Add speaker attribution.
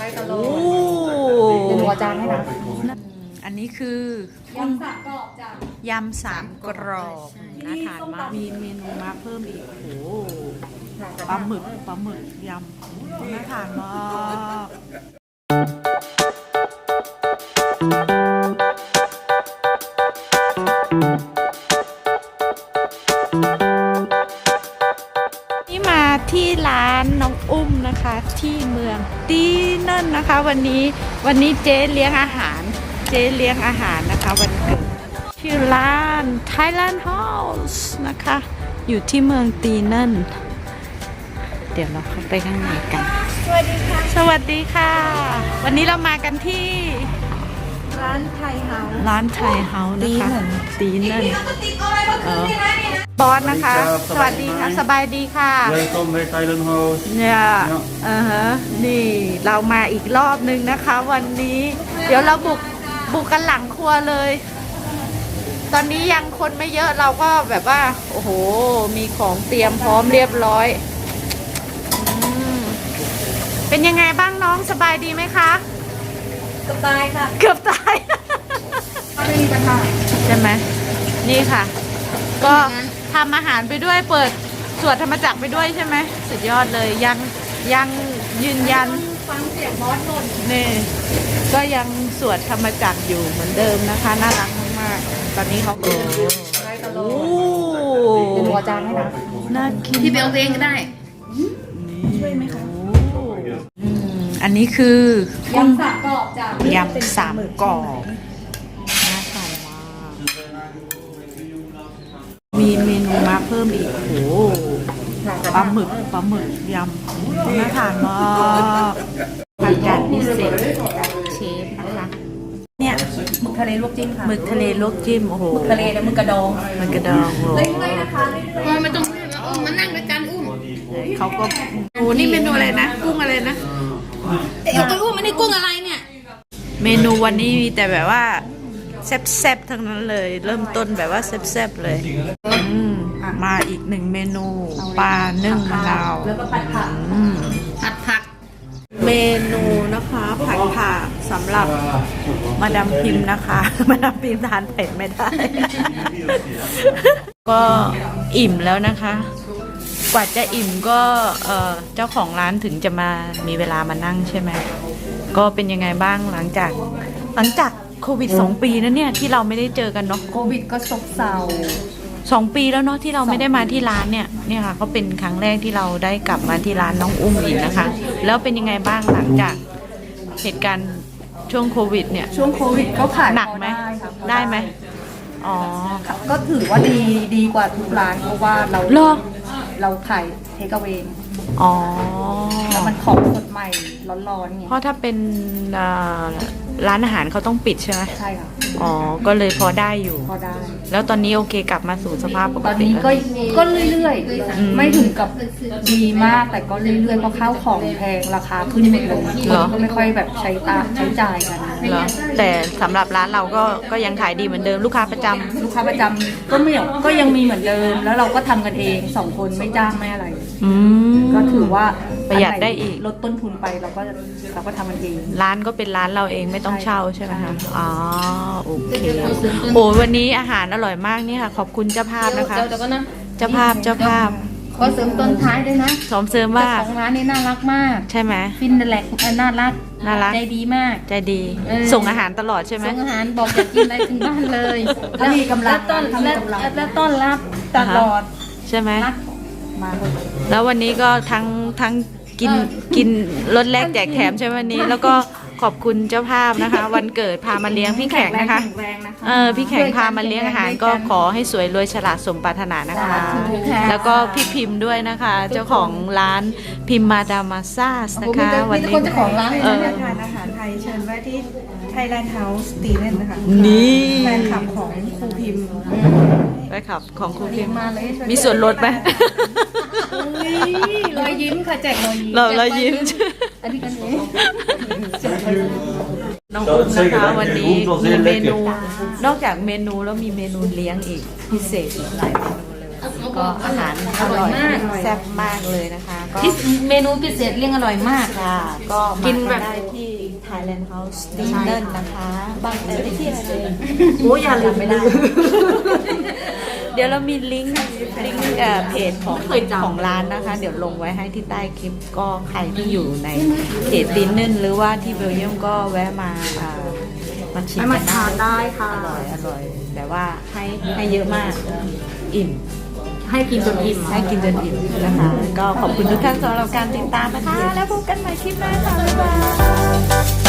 Speaker 1: ได้ตลอ
Speaker 2: โอ้
Speaker 1: ดเป็นหัวจานให้นะ
Speaker 2: อันนี้คือย
Speaker 1: ำสามกรอบจ้ะ
Speaker 2: ยำสามกรอบน่าทานมากมีเมนูมาเพิ่มอีกโอ้ปลาหมึกยำน่าทานมากนี่มาที่ร้านน้องอุ้มนะคะที่เมืองตีนั่นนะคะวันนี้เจ๊เลี้ยงอาหารนะคะวันเกิดชื่อร้าน Thailand House นะคะอยู่ที่เมืองตีนั่นเดี๋ยวเราเข้าไปข้างในกันสวัสดีค่ะวันนี้เรามากันที่ร้านไทยเฮาส์นะคะตีนั่นบอสนะคะ สวัสดีค่ะสบายดีค่ะ
Speaker 3: Welkom bij Thailand House
Speaker 2: เนี่ยนี่เรามาอีกรอบนึงนะคะ วันนี้เดี๋ยวเราบุกกันหลังครัวเลย ตอนนี้ยังคนไม่เยอะเราก็แบบว่าโอ้โหมีของเตรียมพร้อมเรียบร้อยเป็นยังไงบ้างน้องสบายดีไหมคะ
Speaker 1: เกือบตายค่ะ
Speaker 2: เกือบตาย
Speaker 1: ไม่มีปัญหา
Speaker 2: ใช่ไหมนี่ค่ะ ก็ทำอาหารไปด้วยเปิดสวดธรรมจักรไปด้วยใช่ไหมสุดยอดเลยยังยืนยัน
Speaker 1: ฟังเสียงบอสบ่น
Speaker 2: นี่ก็ยังสวดธรรมจักรอยู่เหมือนเดิมนะคะน่ารักมากๆตอนนี้เขาก็
Speaker 1: ได้ตลอ
Speaker 2: โอ้
Speaker 1: ดเป็นหัวจานให้นะ
Speaker 2: น่ากิน
Speaker 1: พี่เบลเองก็ได้
Speaker 2: ช่วยไหมคะอันนี้คือย
Speaker 1: ำสามกรอบจ้ะ
Speaker 2: ยำสามกรอบน่าทานมากมีเมนูมาเพิ่มอีกโอ้ปลาหมึกยำน่าทานมากทานจานพิเศษเชฟนะคะเนี่ย
Speaker 1: หมึกทะเลลวกจิ้มค่ะ
Speaker 2: หมึกทะเลลวกจิ้มโอ้โห
Speaker 1: หมึกทะเลและหมึกกระดอง
Speaker 2: มันกระดองโอ้โห
Speaker 1: เรื่อยๆนะคะเรื่อยๆไม่ต้องมานั่งด้วยกันอุ้ม
Speaker 2: เขาก็โอ้นี่เมนูอะไรนะกุ้งอะไรนะ
Speaker 1: เอาไปอุ้มอันนี้กุ้งอะไรเนี่ย
Speaker 2: เมนูวันนี้มีแต่แบบว่าแซ่บๆทั้งนั้นเลย เริ่มต้นแบบว่าแซ่บๆเลยมาอีกหนึ่งเมนูปลานึ่งมะนาว
Speaker 1: แล้วก็ผัดผัก ผัดผัก
Speaker 2: เมนูนะคะผัดผักสำหรับมาดามพิมพ์นะคะ มาดามพิมพ์ทานเผ็ดไม่ได้ ก็อิ่มแล้วนะคะ กว่าจะอิ่มก็เจ้าของร้านถึงจะมามีเวลามานั่งใช่ไหมก็เป็นยังไงบ้างหลังจากโควิด2 ปีนะเนี่ยที่เราไม่ได้เจอกันเนาะ
Speaker 1: โควิดก็ซบเซา
Speaker 2: 2 ปีแล้วเนาะที่เราไม่ได้มาที่ร้านเนี่ยค่ะก็เป็นครั้งแรกที่เราได้กลับมาที่ร้านน้องอุ้มอีกนะคะ แล้วเป็นยังไงบ้างหลังจากเหตุการณ์ช่วงโควิดเนี่ย
Speaker 1: ช่วงโควิดก็ขาย
Speaker 2: หนักไหม
Speaker 1: ค่ะ
Speaker 2: ได้ไหมอ๋อ
Speaker 1: ก็ถือว่าดีกว่าทุกร้านเพราะว่าเรา
Speaker 2: เหรอ
Speaker 1: เราขายเทคเอาเว
Speaker 2: อ๋อ
Speaker 1: แล้วมันของสดใหม่ร้อนๆไง
Speaker 2: เพราะถ้าเป็นร้านอาหารเขาต้องปิดใช่ไหม
Speaker 1: ใช่ค่ะ
Speaker 2: อ๋อก็เลยพอได้อยู่
Speaker 1: พอได้
Speaker 2: แล้วตอนนี้โอเคกลับมาสู่สภาพป
Speaker 1: ต
Speaker 2: ก
Speaker 1: อน
Speaker 2: ติ
Speaker 1: นี้
Speaker 2: แล้ว
Speaker 1: ก็เรื่อยๆไม่ถึงกับดีมากแต่ก็เรื่อยๆเพราะข้าวของแพงราคาขึ้นหมดเลยคนก็ไม่ค่อยแบบใช้จ่ายกัน
Speaker 2: เหรอแต่สำหรับร้านเราก็ยังขายดีเหมือนเดิมลูกค้าประจำ
Speaker 1: ลูกค้าประจำก็ยังมีเหมือนเดิม แล้วเราก็ทำกันเอง2 คนไม่จ้างไม่อะไร ก็ถือว่า
Speaker 2: ประหยัดได้อีก
Speaker 1: ลดต้นทุนไปเราก็ทำกันเอง
Speaker 2: ร้านก็เป็นร้านเราเองไม่ต้องเช่าใช่ไหมคะอ๋อโอเคโอ้วันนี้อาหารอร่อยมากนี่ค่ะ ขอบคุณเจ้าภาพนะคะ
Speaker 1: เดี๋ยวก็นะ
Speaker 2: เจ้าภาพ
Speaker 1: ขอเสริมต้นท้ายด้วยนะ
Speaker 2: สมเสริมว่า
Speaker 1: เจ้าของร้านนี่น่ารักมาก
Speaker 2: ใช่ไหม
Speaker 1: ฟินแลกน่ารัก
Speaker 2: น่ารัก
Speaker 1: ใจดีมาก
Speaker 2: ใจดี
Speaker 1: เออ
Speaker 2: ส่งอาหารตลอดใช่ไหม
Speaker 1: ส่งอาหารบอกอยากกินอะไรถึงบ้านเลย
Speaker 4: ถ้ามีกำลัง
Speaker 1: และต้อนรับตลอด
Speaker 2: ใช่ไหม
Speaker 1: รักมาเลย
Speaker 2: แล้ววันนี้ก็ทั้งกินรถแรกแจกแถมใช่ไหมวันนี้ แล้วก็ขอบคุณเจ้าภาพนะคะ วันเกิดพามาเลี้ยงพี่แขกนะคะ
Speaker 1: แรงนะคะ
Speaker 2: พี่แขกพามาเลี้ยงอาหารก็ขอให้สวยรวยฉลาดสมปรารถนานะคะ แล้วก็พี่พิมพ์ด้วยนะคะ เจ้าของร้านพิมพ์มาดามาซ่าสนะคะ วันนี้
Speaker 1: คนเจ้าของร้าน
Speaker 2: เอ
Speaker 1: เลย
Speaker 2: อ
Speaker 1: นะ
Speaker 4: ทานอาหารไทยเชิญไว้ที่ Thailand House ตีเล่นนะคะ
Speaker 2: นี่
Speaker 4: แฟนคลับของครูพิมพ์
Speaker 2: ไปขับของครูพิมพ์
Speaker 1: มาเลย
Speaker 2: มีส่วนลดไหม
Speaker 1: รอยยิ้มค่ะแจกรอยยิ้ม
Speaker 2: เรายิ้ม
Speaker 1: อันนี้กันเอง
Speaker 2: น้องอุ้มนะคะวันนี้มีเมนูนอกจากเมนูแล้วมีเมนูเลี้ยงอีกพิเศษอีกหลายเมนูเลยก็อาหารอร่อยแซ่บมากเลยนะคะก็
Speaker 1: เมนูพิเศษเลี้ยงอร่อยมาก
Speaker 2: ค่ะก็มากันได้ที่ Thailand House Dinner นะคะบางแต่ที่อะไรเลย
Speaker 1: โอ้อย่าลืม
Speaker 2: ไม่ได้ เดี๋ยวเรามีลิงก์เพจของร้านนะคะ เดี๋ยวลงไว้ให้ที่ใต้คลิปก็ใครที่อยู่ในเขตดินเนนหรือว่าที่เบลเยียมก็แวะมาชิมกัน
Speaker 1: มาทานได้ค่ะ
Speaker 2: อร่อยแต่ว่าให้เยอะมากอิ่ม
Speaker 1: ให้กินจนอิ่ม
Speaker 2: ให้กินจนอิ่มนะคะ ก็ขอบคุณทุกท่านสำหรับการติดตามนะคะ แล้วพบกันใหม่คลิปหน้าค่ะ บ๊ายบาย